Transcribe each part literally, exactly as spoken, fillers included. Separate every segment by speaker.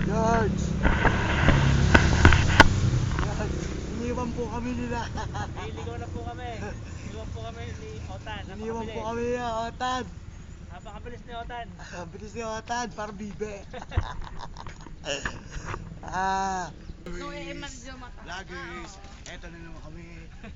Speaker 1: George! Iniwan po kami nila.
Speaker 2: Niligaw na po kami. Iniwan po kami ni Otan.
Speaker 1: Iniwan po kami nila, Otan.
Speaker 2: Napakabilis ni Otan.
Speaker 1: Ang bilis ni Otan, parang bibe. Ah.
Speaker 3: No, eh, medyo mata.
Speaker 1: Lagers, eto na naman kami.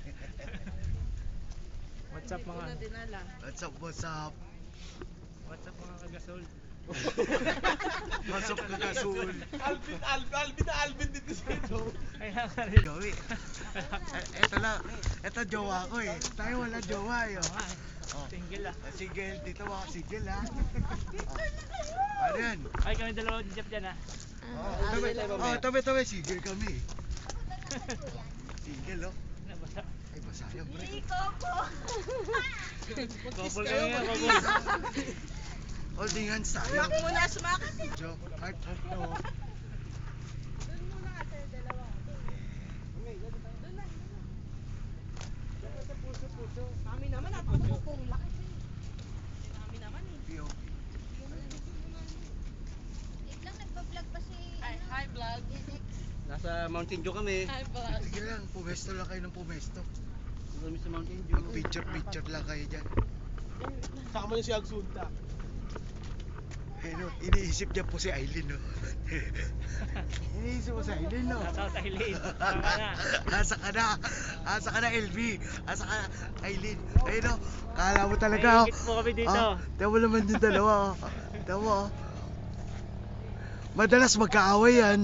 Speaker 2: What's up mga?
Speaker 1: What's up, what's up?
Speaker 2: What's up mga kagasol?
Speaker 1: What's up, kagasul?
Speaker 4: Alvin, Alvin, Alvin na Alvin dito sa ito.
Speaker 2: Kaya ka rin.
Speaker 1: Joey. Eh, Eto lang, eto jowa ko eh. Tayo wala jowa eh. oh. Oh.
Speaker 2: Single ah.
Speaker 1: Single, dito mga single ha. Oh. Ano yan?
Speaker 2: Ay kami dalawa ni Jeff dyan ah.
Speaker 1: Oh, tabi, oh, tabi, tabi, single kami. Single oh.
Speaker 2: Nabasa.
Speaker 1: Ay, basa yan, pre.
Speaker 2: Couple kami nga, couple.
Speaker 1: Holding hands tayo.
Speaker 3: Smack muna, smack.
Speaker 1: Jo, heart, heart, no.
Speaker 3: Kami naman, napakapong laki. Kami naman eh.
Speaker 1: P O P.
Speaker 5: Wait lang, nagpa-vlog pa si...
Speaker 3: Hi, hi vlog.
Speaker 4: Nasa Mountain Dew kami.
Speaker 3: Hi vlog.
Speaker 1: Sige lang, pumesto lang kayo ng pumesto.
Speaker 4: Kami sa Mountain Dew.
Speaker 1: Mag-picture-picture lang kayo dyan.
Speaker 4: Saka mo yung si Agsunta.
Speaker 1: Eh no, iniisip niya po si Aileen no. Iniisip mo si Aileen no.
Speaker 2: Nasa sa Eileen. Tama na.
Speaker 1: Asa ka na. Asa ka na L B. Asa ka na Aileen. Ayun no. Kala mo talaga.
Speaker 2: Naiingit po kami dito.
Speaker 1: Ah, tayo mo naman yung dalawa. Oh. Tayo mo. Oh. Madalas magkaaway yan.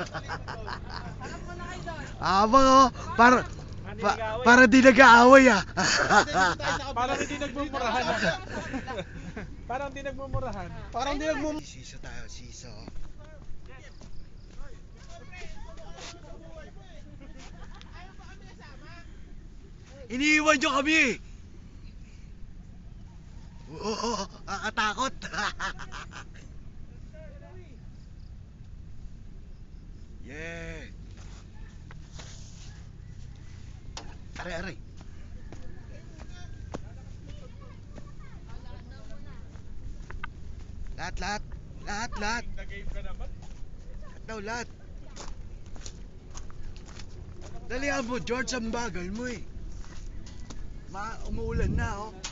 Speaker 1: Abang oh. Para, pa, para di nag-aaway ah.
Speaker 4: Parang hindi nagmumurahan. Parang hindi nagmumurahan. Parang hindi nagmumurahan.
Speaker 1: Siso tayo, siso. Iniiwan nyo kami! Oo, kakatakot! Yeah! Aray, aray! Lahat, lahat! Lahat, lahat!
Speaker 4: Nag-game ka naman.
Speaker 1: Lahat daw, lahat! Dalihan mo, George, ang bagal mo eh. Ma umuulan na, oh.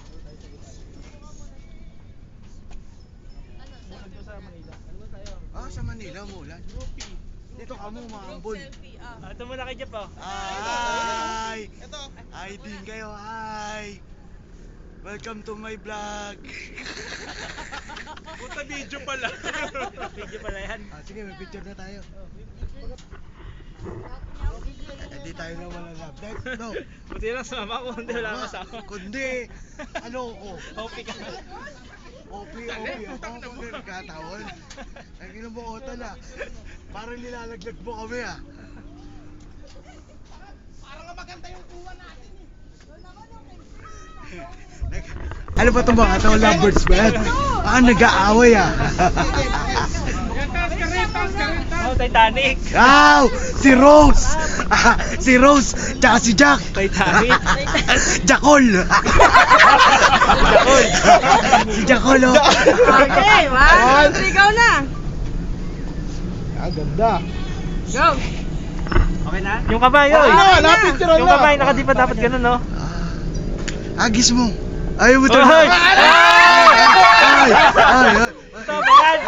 Speaker 4: Sa Manila. Ano tayo?
Speaker 1: Ah, sa Manila, umuulan. Dito ka mo, maambol.
Speaker 3: Selfie, ah.
Speaker 2: Ah, ito muna kay Jeff oh.
Speaker 1: Hi!
Speaker 4: Ito.
Speaker 1: Hi din kayo, hi! Welcome to my vlog.
Speaker 4: Puta video pala.
Speaker 2: Video pala yan.
Speaker 1: Ah, sige, may picture na tayo. Hindi tayo na wala love life. No.
Speaker 2: Buti lang sumama ko, hindi wala
Speaker 1: Oo,
Speaker 2: kasama.
Speaker 1: Kundi, ano ko?
Speaker 2: Hopi ka.
Speaker 1: O P, O P ako. Kundi nagkatawon. Ang ino mo, Otan ah. Parang nilalaglag mo kami ah.
Speaker 4: Parang maganda yung kuha natin eh.
Speaker 1: Nag- ano ba itong mga tao? Lovebirds ba yan? Ah, nag-aaway ah.
Speaker 4: Taas ka rin, taas ka rin, taas.
Speaker 2: Oh, Titanic.
Speaker 1: Wow! Si Rose! Ah, si Rose! Tsaka si Jack!
Speaker 2: Titanic.
Speaker 1: Jackol!
Speaker 2: Jackol.
Speaker 1: Si Jackol oh!
Speaker 3: Okay, one, two, three, go na.
Speaker 4: Ah, ganda.
Speaker 3: Go.
Speaker 2: Okay na? Yung kamay, oy.
Speaker 4: Ah, napicture na.
Speaker 2: Yung kamay, nakadipa dapat ganun, no?
Speaker 1: Ah, agis mo! Ayaw mo
Speaker 2: Oy!
Speaker 1: talaga!
Speaker 2: Ay!
Speaker 1: Ay! Ay! Ay!
Speaker 2: Ito, bayan!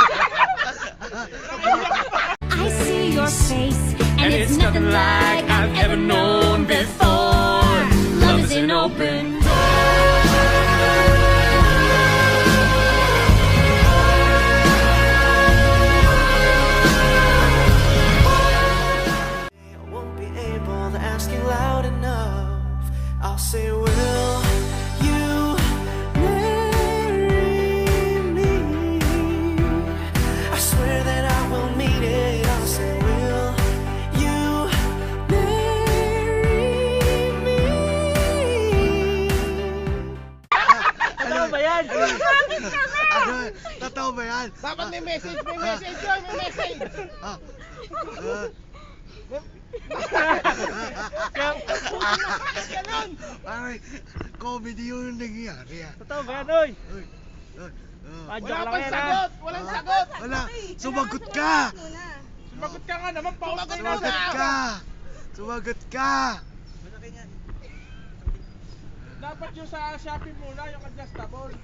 Speaker 5: I see your face, and it's nothing like I've ever known before. Love is an open
Speaker 6: I won't be able to ask you loud enough. I'll say, will you marry me? I swear that I will mean it. I'll say, will you marry me?
Speaker 2: Ano ba yan?
Speaker 1: Ano? Totoo ba yan?
Speaker 4: Dapat may message, may message yun, may message.
Speaker 1: Ah. Ah. Parang comedy yung nangyayari ah.
Speaker 2: Totoo ba yan, oy?
Speaker 1: Uy, uy, oh.
Speaker 2: Ah, joke
Speaker 4: Wala
Speaker 2: lang
Speaker 4: pang
Speaker 2: yan,
Speaker 4: sagot,
Speaker 2: ha?
Speaker 4: walang
Speaker 1: Ah,
Speaker 4: sagot.
Speaker 1: Wala, sumagot ka!
Speaker 4: Sumagot ka nga naman, pause na yun.
Speaker 1: Sumagot ka! Sumagot ka!
Speaker 4: Dapat yung sa Shopee muna, yung adjustable.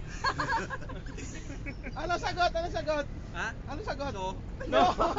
Speaker 4: Ano sagot? Ano sagot?
Speaker 2: Ha?
Speaker 4: Ano sagot? No.
Speaker 1: Uy.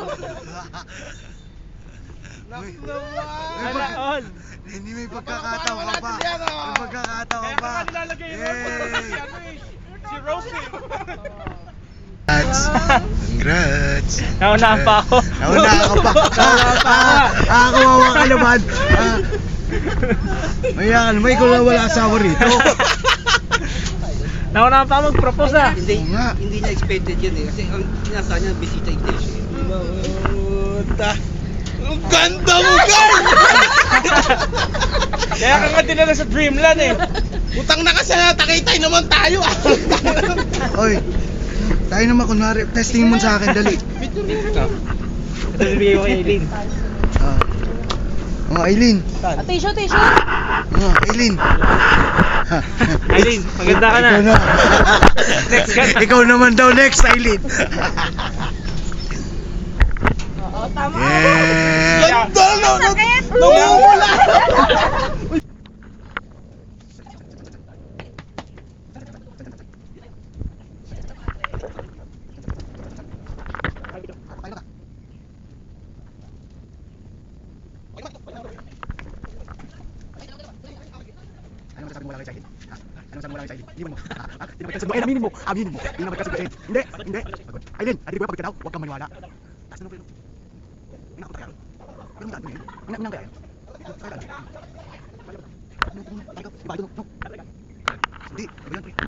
Speaker 4: Naku
Speaker 1: May
Speaker 4: naman.
Speaker 1: pag-
Speaker 2: all.
Speaker 1: Hindi may pagkakataon ka pa.
Speaker 4: Yan, oh.
Speaker 1: May pagkakataon
Speaker 4: Kaya
Speaker 1: ka
Speaker 4: ka
Speaker 1: pa.
Speaker 4: nga nilalagay yung
Speaker 1: Yay!
Speaker 4: si ano eh. Si Rosie.
Speaker 1: Congrats! Congrats!
Speaker 2: Naunahan pa ako.
Speaker 1: Naunahan ka pa.
Speaker 2: Naunahan pa ako.
Speaker 1: Ah, ah, kawawa ka naman. Ah. Maya ka naman, ikaw na wala asawa rito.
Speaker 2: Naunahan pa ako mag-propose ah.
Speaker 1: Oo nga.
Speaker 7: Hindi niya expected yun eh. Kasi ang sinasa niya, bisita intention.
Speaker 4: Puta. Ang ganda mo, guys! Kaya ka nga dinala sa Dreamland eh. Utang na kasi natakitay naman tayo ah.
Speaker 1: Oy, tayo naman kunwari, testing mo sa akin, dali.
Speaker 2: Ito bibigay ko kay Eileen.
Speaker 1: Ah. Mga Aileen.
Speaker 3: Ah, tissue, tissue.
Speaker 1: Mga Aileen.
Speaker 2: Eileen, maganda ka na.
Speaker 1: Ikaw na.
Speaker 2: Next ka na.
Speaker 1: Ikaw naman daw next, Aileen.
Speaker 3: Oo, tama.
Speaker 1: Yeah.
Speaker 4: Ganda no, no,
Speaker 3: Sakit!
Speaker 4: Nawawala.
Speaker 1: Ano masasabi mo wala kay Aileen? Ha? Ano masasabi mo wala kay Aileen? Hindi mo. Ah, ah, Hindi naman magkasundo. Ay, aminin mo. Aminin mo. Hindi naman magkasundo. Aileen. Hindi. Hindi. Pagod. Aileen, adik ko pagod ka daw. Huwag kang maniwala. Taas na mo. Ina ko tayo. Pero hindi tayo. Ina ina kaya. Kaya tayo. Iba ito. No. Hindi. Ganyan pre.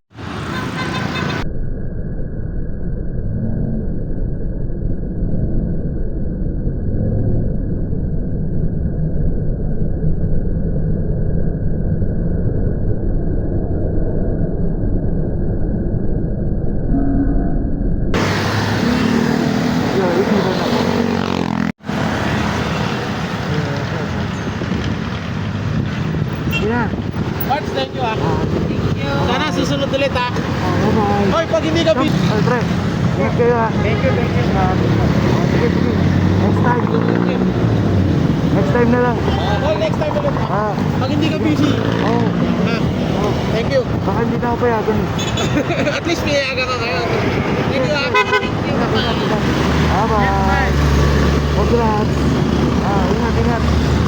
Speaker 4: Parts, thank you ah. Sana susunod ulit ah. Hoy, pag hindi ka busy.
Speaker 1: Ay, pre. Ingat kayo ha.
Speaker 2: Thank you, thank you.
Speaker 1: Sige, sige. Next time. Next time na lang.
Speaker 4: Hoy, next time ulit ah.
Speaker 1: Ah.
Speaker 4: Pag hindi ka busy.
Speaker 1: Oh.
Speaker 4: Ha? Thank you.
Speaker 1: Baka hindi na ako payagan eh.
Speaker 4: At least may aga ka ngayon. Thank you ah.
Speaker 1: Bye-bye. Congrats. Ah, ingat, ingat.